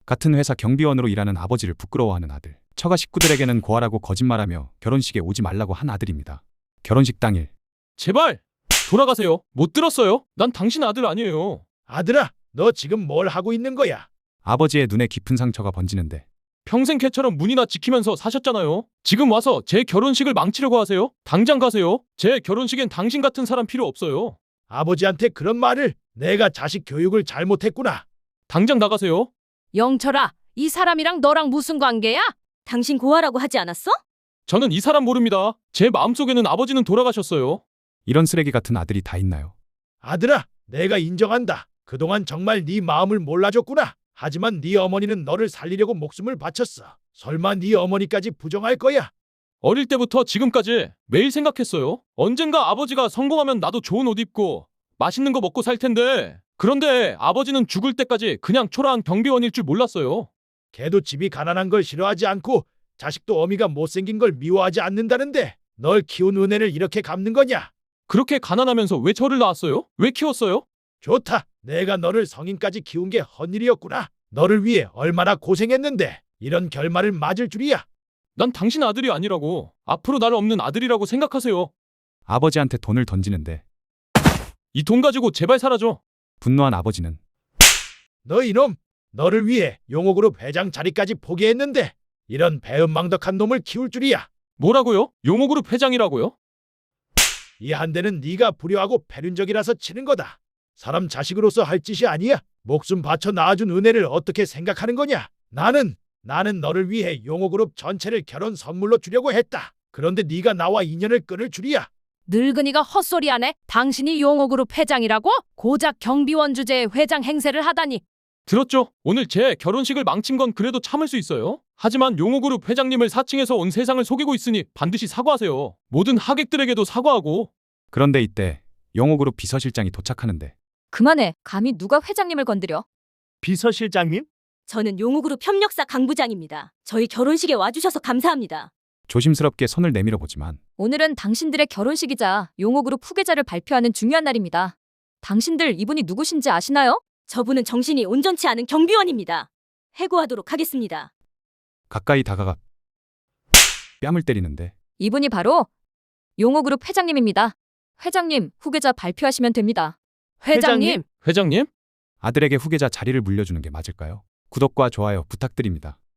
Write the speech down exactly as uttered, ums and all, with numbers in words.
같은 회사 경비원으로 일하는 아버지를 부끄러워하는 아들. 처가 식구들에게는 고아라고 거짓말하며 결혼식에 오지 말라고 한 아들입니다. 결혼식 당일 제발 돌아가세요. 못 들었어요. 난 당신 아들 아니에요. 아들아, 너 지금 뭘 하고 있는 거야? 아버지의 눈에 깊은 상처가 번지는데 평생 개처럼 문이나 지키면서 사셨잖아요. 지금 와서 제 결혼식을 망치려고 하세요? 당장 가세요. 제 결혼식엔 당신 같은 사람 필요 없어요. 아버지한테 그런 말을. 내가 자식 교육을 잘못했구나. 당장 나가세요. 영철아, 이 사람이랑 너랑 무슨 관계야? 당신 고아라고 하지 않았어? 저는 이 사람 모릅니다. 제 마음속에는 아버지는 돌아가셨어요. 이런 쓰레기 같은 아들이 다 있나요? 아들아, 내가 인정한다. 그동안 정말 네 마음을 몰라줬구나. 하지만 네 어머니는 너를 살리려고 목숨을 바쳤어. 설마 네 어머니까지 부정할 거야? 어릴 때부터 지금까지 매일 생각했어요. 언젠가 아버지가 성공하면 나도 좋은 옷 입고 맛있는 거 먹고 살 텐데. 그런데 아버지는 죽을 때까지 그냥 초라한 경비원일 줄 몰랐어요. 걔도 집이 가난한 걸 싫어하지 않고 자식도 어미가 못생긴 걸 미워하지 않는다는데 널 키운 은혜를 이렇게 갚는 거냐? 그렇게 가난하면서 왜 저를 낳았어요? 왜 키웠어요? 좋다. 내가 너를 성인까지 키운 게 헛일이었구나. 너를 위해 얼마나 고생했는데 이런 결말을 맞을 줄이야. 난 당신 아들이 아니라고. 앞으로 나를 없는 아들이라고 생각하세요. 아버지한테 돈을 던지는데 이 돈 가지고 제발 사라져. 분노한 아버지는 너 이놈, 너를 위해 용호그룹 회장 자리까지 포기했는데 이런 배은망덕한 놈을 키울 줄이야. 뭐라고요? 용호그룹 회장이라고요? 이 한 대는 네가 불효하고 패륜적이라서 치는 거다. 사람 자식으로서 할 짓이 아니야. 목숨 바쳐 낳아준 은혜를 어떻게 생각하는 거냐? 나는 나는 너를 위해 용호그룹 전체를 결혼 선물로 주려고 했다. 그런데 네가 나와 인연을 끊을 줄이야. 늙은이가 헛소리하네. 당신이 용호그룹 회장이라고? 고작 경비원 주제에 회장 행세를 하다니. 들었죠? 오늘 제 결혼식을 망친 건 그래도 참을 수 있어요. 하지만 용호그룹 회장님을 사칭해서 온 세상을 속이고 있으니 반드시 사과하세요. 모든 하객들에게도 사과하고. 그런데 이때 용호그룹 비서실장이 도착하는데 그만해. 감히 누가 회장님을 건드려? 비서실장님? 저는 용호그룹 협력사 강 부장입니다. 저희 결혼식에 와주셔서 감사합니다. 조심스럽게 손을 내밀어 보지만 오늘은 당신들의 결혼식이자 용호그룹 후계자를 발표하는 중요한 날입니다. 당신들 이분이 누구신지 아시나요? 저분은 정신이 온전치 않은 경비원입니다. 해고하도록 하겠습니다. 가까이 다가가 뺨을 때리는데 이분이 바로 용호그룹 회장님입니다. 회장님, 후계자 발표하시면 됩니다. 회장님, 회장님? 아들에게 후계자 자리를 물려주는 게 맞을까요? 구독과 좋아요 부탁드립니다.